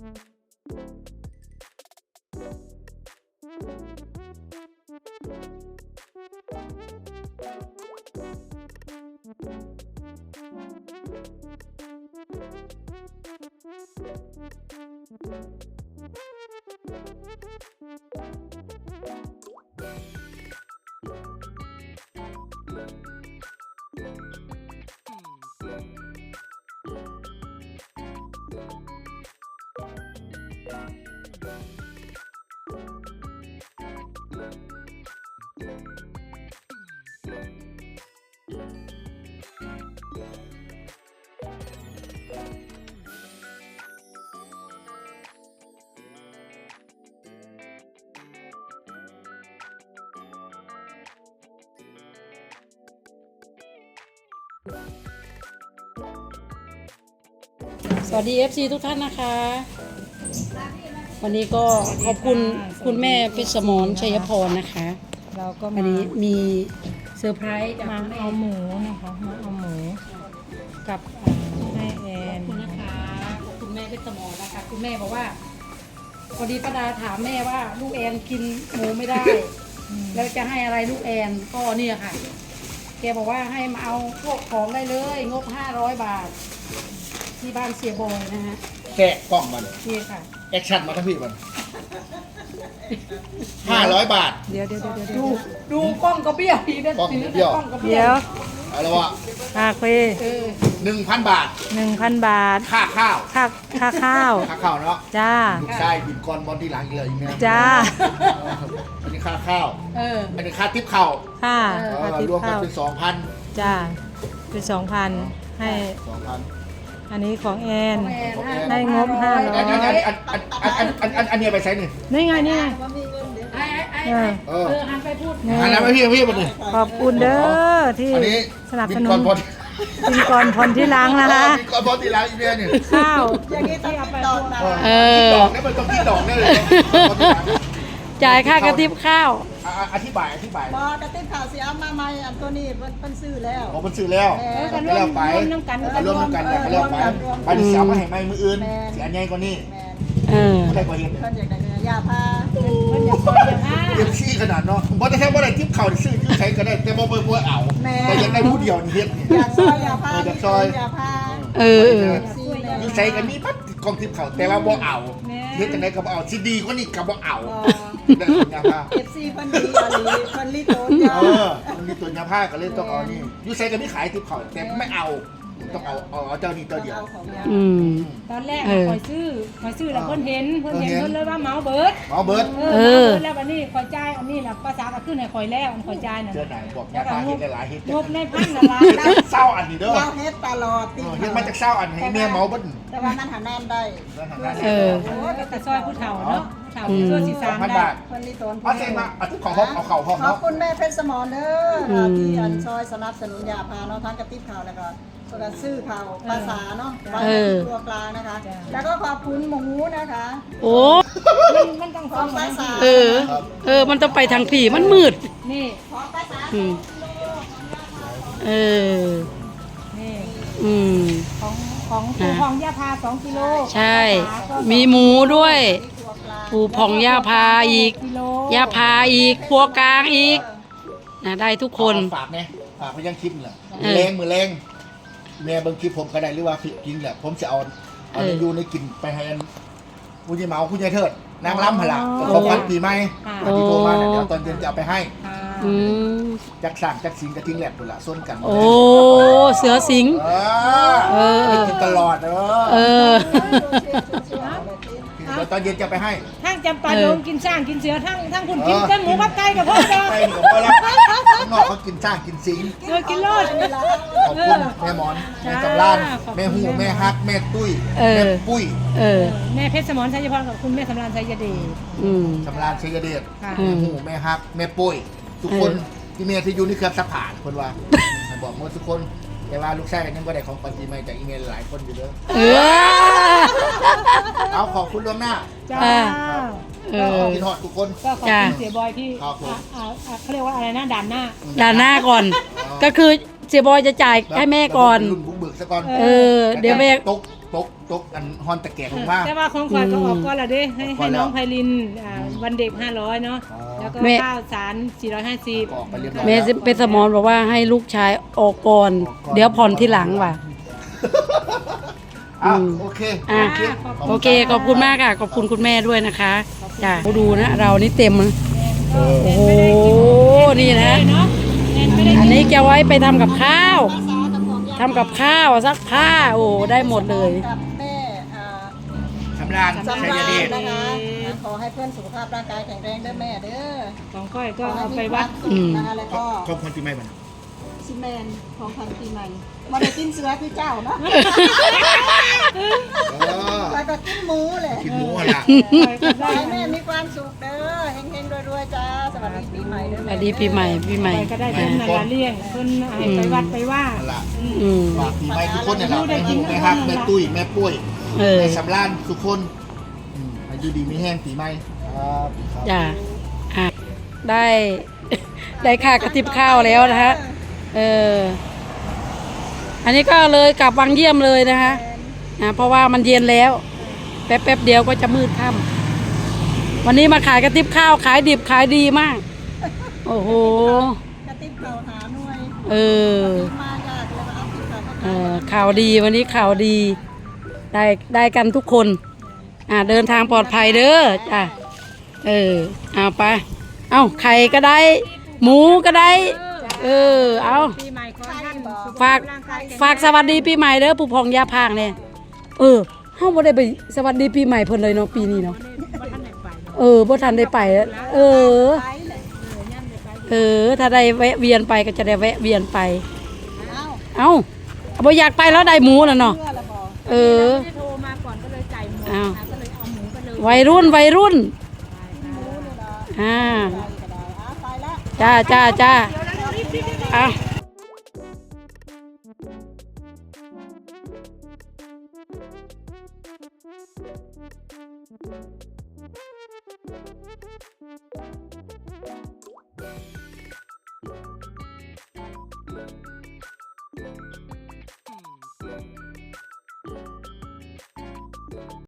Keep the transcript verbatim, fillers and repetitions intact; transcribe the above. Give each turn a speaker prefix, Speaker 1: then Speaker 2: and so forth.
Speaker 1: สวัสดี เอฟ ซี ทุกท่านนะคะวันนี้ก็ขอบคุณคุณแม่เพชรสมรชัยพรนะคะ
Speaker 2: เราก็
Speaker 1: วัน
Speaker 2: มา
Speaker 1: นี้มีเซอร์ไพรส์จาก
Speaker 2: มา
Speaker 1: คุณแม่
Speaker 2: เอาหมูนะคะมาเอาหมูกับให้แอ
Speaker 1: ขอน บคุณนะคะขอบคุณแม่เพชรสมรนะคะคุณแม่บอกว่าพอดีป้าดาถามแม่ว่าลูกแอนกินหมูไม่ได้ แล้วจะให้อะไรลูกแอนก็เนี่ยค่ะแกบอกว่าให้มาเอาพวกของได้เลยงบห้าร้อยบาทที่บ้านเสียบอยนะฮะ
Speaker 3: แกะกล่องมัน
Speaker 1: นี่ค่ะ
Speaker 3: แอคชั่นมาทั้งพี่มันห้าร้อยบาท
Speaker 2: เดี๋ยวเดี๋ยวเดี๋ยวเดี๋ยว
Speaker 1: ดูดูกล้องกระเบี้ยวทีเด็ด
Speaker 3: กล้อง
Speaker 1: ถื
Speaker 3: กระเบี้ยว
Speaker 1: กล้องกระเบี้
Speaker 2: เดี๋
Speaker 1: ย
Speaker 2: ยว ว
Speaker 3: เอาละวะ
Speaker 2: คาเฟ่
Speaker 1: เออ
Speaker 3: หนึ่งพันบาท
Speaker 2: หนึ่งพันบาท
Speaker 3: ค่าข้าว
Speaker 2: ค่าค่าข้าว
Speaker 3: ค่าข้าวเนาะ
Speaker 2: จ้า
Speaker 3: ลูกชายบินกรบอลที่หลังอีกเลยอีกเนี่ย
Speaker 2: จ้า
Speaker 3: อันนี้ค่าข้าว
Speaker 1: เออ
Speaker 3: อันนี้ค่าทิปข้าว
Speaker 2: ค่า
Speaker 1: เออ
Speaker 2: ค่าทิป
Speaker 3: รวมกั
Speaker 2: ข้าน ว
Speaker 3: เป็นสองพัน
Speaker 2: จ้าเป็นสองพันให้
Speaker 3: สองพัน
Speaker 2: อันนี้ของแอน
Speaker 1: ของแอน
Speaker 2: ให้งบห้าร้
Speaker 3: อัน
Speaker 2: ย
Speaker 3: อันอันอันอันอันอันอันอันนี้ไปใช้หนึ่ง
Speaker 2: นี่ไงนี่ไง
Speaker 1: ไอ้ไอ้ไอ้
Speaker 2: เออ
Speaker 1: เออหันไปพูด
Speaker 2: นี่
Speaker 3: อันนั้นไปพี่พี่มันนี่
Speaker 2: ขอบคุณเด้อที่
Speaker 3: อันนี้
Speaker 2: สนับ
Speaker 3: บิ
Speaker 2: ส
Speaker 3: น
Speaker 2: นุ
Speaker 3: กร
Speaker 2: น
Speaker 3: บอล
Speaker 2: กินก่อนผ่อนที่หล้างนะคะ
Speaker 3: บินกรบอลที่หลังอีกเนี่ยนี่
Speaker 2: ข้าว
Speaker 4: อย่างนี้ต้องติดต่อมา
Speaker 1: เอ
Speaker 3: คิด
Speaker 1: อ
Speaker 3: ดอกเนี่ยมันต้องคิดดอกเนี่ยเลยบอลที่หลัง
Speaker 1: จ่ายค่ากระติบข้าว
Speaker 3: อ่ะอ่ะอธิบายอธิบาย
Speaker 4: บอกระติบข่าวเสียมาใหม่อันตัวนี้เพิ่นเพิ่นซื้อแล้ว
Speaker 3: ผมมันซื้อแล้ว
Speaker 4: แม่
Speaker 3: ก็แล้วไป
Speaker 2: ร่วมน้ำกัน
Speaker 3: ก็ร่วมกันก็แล้วไปไปดิสามมาให้ไม่มืออื่นเสียใหญ่กว่านี้
Speaker 4: แม่น
Speaker 1: เออ
Speaker 3: ไม่ได้กว่าเห็น
Speaker 4: เพิ่นอยากได้เงินยาพา
Speaker 2: เพิ่นอยากซอยอยากห้า
Speaker 3: เต็มที่ขนาดเนาะผมบอกแต่แค่ว่าได้ทิปเข่าซื้อที่ใช้ก็ได้แต่บ่เบิ่งบ่เอาแต่ยังได้ผู้เดียวนี่เฮ็ดนี่
Speaker 4: อยากซอยยาพา
Speaker 3: อยากซอย
Speaker 4: ยาพา
Speaker 1: เออเออ
Speaker 4: ซีแม่
Speaker 3: อยู่ใช้กันมีปั๊บกองทิปเข่าแต่ว่าบ่เอาเฮ็ดจังได๋ก็บ่เอาสิดีกว่านี้ก็บ่เอาได้สัญญาผ้า
Speaker 4: เอฟซีเพิ่นดีอลีเพิ่นลิโตนยา
Speaker 3: เออมันมีตัวยาผ้าก็เลยต้องเอานี่อยู่ใช้กันมีขายทิปเข่าแต่ไม่เอาต้องเอาเอาเจ้านี่ตัวเดียว
Speaker 4: เอาของยา
Speaker 1: อืม
Speaker 2: ตอนแรก
Speaker 1: เออ
Speaker 2: คอยซื้อคอยซื้อแล้วเพิ่นเห็นเพิ่นเห็น
Speaker 3: เออเห็น
Speaker 2: เพิ่นเลยว่าเมาเบิร์ด
Speaker 3: เอาเบิร์ด
Speaker 2: เอ
Speaker 1: เอ
Speaker 2: อ
Speaker 1: อ
Speaker 2: เมาเบิร์ดแล้ววันนี้คอยจ่ายอันนี้แหละภาษาก็ขึ้นให้คอยแล้วอันคอยจ่ายน่ะ
Speaker 3: เจอไหนบอกยาผ้าเฮ็ดได้หลายเฮ็ด
Speaker 2: งบในพันละล้าน
Speaker 3: เฮ็ดเศร้าอันนี้เด้อ
Speaker 4: เราเฮ็ดตลอดติ
Speaker 3: เออเฮ็ดมาจากเศร้าอันให้แม่เมาเบิ่น
Speaker 4: แต่ว่ามันหาแนมได้
Speaker 1: เออ
Speaker 2: โอ้ยก็แต่ซอยผู้เฒ่าเนาะผู้เฒ่าผู้ช่วยสีสาม
Speaker 3: พัน
Speaker 2: ได้
Speaker 3: บาท
Speaker 4: เพิ่นลิโตน
Speaker 3: เอาเซ็นมาเอาทุกของเขาเอาเข่าห้อง
Speaker 4: ขอบ
Speaker 3: เนาะ
Speaker 4: คุณแม่เพชรสมรเด้อที่อันซอยสนับสนุนยาพาเนาะทั้งกระติบข่าวแล้วก็ส่วนการซื้อข่าวภาษาเนาะไว้ที่ตัวกลางนะคะ แล้วก็ขอบคุณหมูนะคะ
Speaker 1: โอ้
Speaker 2: มันมันต้อง
Speaker 4: ข
Speaker 2: ฟั
Speaker 4: อง งภาษา
Speaker 1: เออ เออ มันต้องไปทางผีมันมืด
Speaker 2: นี่
Speaker 4: ของภาษา
Speaker 1: อืม เออ
Speaker 2: นี่
Speaker 1: อืม
Speaker 2: ของของปูของยาพาสองกิโล
Speaker 1: ใช่
Speaker 2: ภาษาก็
Speaker 1: มีหมูด้วย
Speaker 4: ตัวกลาง
Speaker 1: ปูผ่องย่าพาอีก
Speaker 2: กิโล
Speaker 1: ย่าพาอีกพัวกลางอีกนะได้ทุกคน
Speaker 3: ฝากเนี่ยฝากไปยังคลิปนี่แหละ
Speaker 1: เออ
Speaker 3: แรงมือแรงแม่เบิ่งคลิปผมก็ได้หรือว่าคลิปจริงแหละผมจะเอาเอา
Speaker 1: เออ
Speaker 3: ในยูในกินไปให้อันคุณยายเหมาคุณยายเทิดนางล้ำหนละของขวัญปีใหม่วันที่โทรมาเนี่ยเดี๋ยวตอนเย็นจะเอาไปให้
Speaker 2: ค่ะ
Speaker 1: อืม
Speaker 3: จักสั่งจักสิงกระทิ้งแหลกหมดละส้นกัน
Speaker 1: โอ้ เสือสิง
Speaker 3: เอ
Speaker 1: เอ
Speaker 3: อ
Speaker 1: อ
Speaker 3: ไปกินตลอดเอ
Speaker 1: เอ
Speaker 3: อ
Speaker 1: อ
Speaker 3: เดี๋ยวตอนเย็นจะไปให้
Speaker 2: ทั้งจำปา
Speaker 1: เอ
Speaker 2: ด
Speaker 1: อ
Speaker 2: งกินช่างกินเสือทั้งทั้งคุณกินแต่หมูกับไก่กับพ่อดอก
Speaker 3: ไปกับพ่อแล้วข้างนอกเขากินสร้างกินสิง
Speaker 2: เสือกินโลด
Speaker 3: ขอบคุณแม่หมอนแม่จำราน
Speaker 2: ขอบคุณ
Speaker 3: แม่หูแม่ฮักแม่ตุ้ย
Speaker 1: เออ
Speaker 3: แม่ปุ้ย
Speaker 1: เออ
Speaker 2: แม่เพชรสมรชัยพรกับคุณแม่สำราญชัยเดช
Speaker 1: อืม
Speaker 3: จำรานชัยเดช
Speaker 2: ค่ะ
Speaker 1: อื
Speaker 3: แม่
Speaker 1: ม
Speaker 3: หูแม่ฮักแม่ปุ้ยทุกคน
Speaker 1: เออ
Speaker 3: ที่เมียที่อยู่นี่เครือสักผ่านคนว่าให้บอกหมดทุกคนแต่ว่าลูกชายกันยังก็ได้ของปันปีใหม่จากอีเมลหลายคนอยู่เด้อ
Speaker 1: เออ
Speaker 3: เอาขอบคุณล่วงหน้า
Speaker 2: จ้า
Speaker 1: อ่า เออ
Speaker 3: กินฮอดทุกคน
Speaker 2: ก็ขอบ
Speaker 1: จ้า
Speaker 2: คุณเสียบอยที่
Speaker 3: ครับผม
Speaker 2: อ่าอ่าอ่าเขาเรียกว่าอะไรนะด่านหน้า
Speaker 1: ด่านหน้าก่อน ก็คือเสียบอยจะจ่ายให้แม่ก่อน
Speaker 3: รุ่นบุกเบิกซะก่อน
Speaker 1: เออ เดี๋ยวแม่
Speaker 3: ตกตกตกอันฮอนตะแกรงลงมา
Speaker 2: แต่ว่าของขวัญก็ออกก่อนละเด้ให้
Speaker 3: ออกก่
Speaker 2: ให้
Speaker 3: อนแล้ว
Speaker 2: น้องไพลินอ่าวันเด็กห้าร้อยเนาะ
Speaker 3: อ๋อ
Speaker 2: แล้วก็
Speaker 1: แม่
Speaker 2: ข้าวสารสี่ร้อยห้าสิบ
Speaker 3: ออกไปเรียบร้อย
Speaker 1: แม่เป็นสมอนบอกว่าให้ลูกชายออกก่อน เดี๋ยวผ่อนที่หลังว่ะ
Speaker 3: อ่ะ
Speaker 1: อืม
Speaker 3: โอเค
Speaker 1: อ่ะ
Speaker 3: โอเค
Speaker 1: โอเคขอบคุณมากค่ะขอบคุณคุณแม่ด้วยนะคะจ้ะดูนะเรานี่เต็มนะ
Speaker 3: เออ
Speaker 1: โอ้โหนี่นะ
Speaker 2: เนาะแอนไม่ได้
Speaker 1: อันนี้จะไว้ไปทำกับข้าว
Speaker 4: ภาษากับของยา
Speaker 1: ทำกับข้าวซักผ้าโอ้ได้หมดเลย
Speaker 4: กับแม่อ่า
Speaker 3: สำราญ
Speaker 4: สำ
Speaker 3: ชัย
Speaker 4: ราญ
Speaker 3: เดช
Speaker 4: นะคะขอให้เพื่อนสุขภาพร่างกายแข็งแรงเด้อแม่เด้อ
Speaker 2: ของก้อยก็
Speaker 4: ขอให้
Speaker 2: เอา
Speaker 4: มี
Speaker 2: ไป
Speaker 4: ค
Speaker 2: วั
Speaker 4: วา
Speaker 2: ด
Speaker 4: มสุขนะคะแล้วก็
Speaker 3: ครอบครัวปีใหม่บ้าน
Speaker 4: ซิแมนของพันปีใหม่มาได้กินเสือคือเจ้าเนาะ
Speaker 3: เออ
Speaker 4: แล้วก็กินหมูเลย
Speaker 3: กินหมูอ่ะล่ะ
Speaker 4: ขอให้แม่มีความสุขเด้อเฮงๆรวยๆจ้าสวัสดีปีใหม่เด้อ
Speaker 1: ส
Speaker 4: แม่
Speaker 1: วัสดีปีใหม่ปีใหม่
Speaker 2: ไปก็ได้เพิ่นนาลาเลี้ยงเพิ่นให้ไปวัดไปว่า
Speaker 3: นั่นล่ะ
Speaker 1: อืม
Speaker 3: ฝากปีใหม่ทุกคนเนี่ยแหละแม่หูแม่ฮักแม่ตุ้ยแม่ปุ้ย
Speaker 1: เออ
Speaker 3: แม่สำราญทุกคนอืมอายุดีมีแห้งปีใหม่ครับครับ
Speaker 1: จ้ะอ่ะได้ ได้ค่ากระติบข้าวแล้วนะฮะเอออันนี้ก็เลยกลับวังเยี่ยมเลยนะคะนะเพราะว่ามันเย็นแล้ว แป๊บแป๊บๆเดียวก็จะมืดค่ำวันนี้มาขายกระติบข้าวขายดิบขายดีมาก โอ้โห
Speaker 4: กระติบเข่าหาหน่วย
Speaker 1: เออ
Speaker 4: มายากเลยมาเอาติบเข่ามา
Speaker 1: เออข่าวดีวันนี้ข่าวดี ได้ได้กันทุกคน อ่าเดินทางปลอดภัยเด้อจ้ะเออเอาไป เอาไข่ก็ได้ หมูก็ได้ เออเอา
Speaker 2: ปีใหม่ขอให้ท่านสุข
Speaker 1: ฝาก
Speaker 2: ภพร่งยแข็ง
Speaker 1: ฝากสวัสดีปีใหม่เด้อผู้พองยาพางเนี่ยเออเฮาบ่ได้ไปสวัสดีปีใหม่เพิ่นเลยเนาะปีนี้เนาะ
Speaker 2: บ่ทันได้ไปเนาะ
Speaker 1: เออบ่ทันได้ไป เออ
Speaker 4: ไปเลย
Speaker 1: เออ ถ้าได้แวะเวียนไปก็จะได้แวะเวียนไป
Speaker 4: เอ้า
Speaker 1: เอ้าบ่อยากไปแล้วได้หมูแล้วเนาะ
Speaker 4: เพื่อละบอก
Speaker 1: เออ
Speaker 2: ไม่ได้โทรมาก่อนก็เลยจ่ายหมด
Speaker 1: อ้าว
Speaker 2: นะคะก็เลยเอาหมูไปเลย
Speaker 1: วัยรุ่นวัยรุ่น
Speaker 4: รู้เลยนะ
Speaker 1: อ่า
Speaker 4: ไปก็ได้อ่ะไปแล้ว
Speaker 1: จ้าจ้าจ้าอ่ะ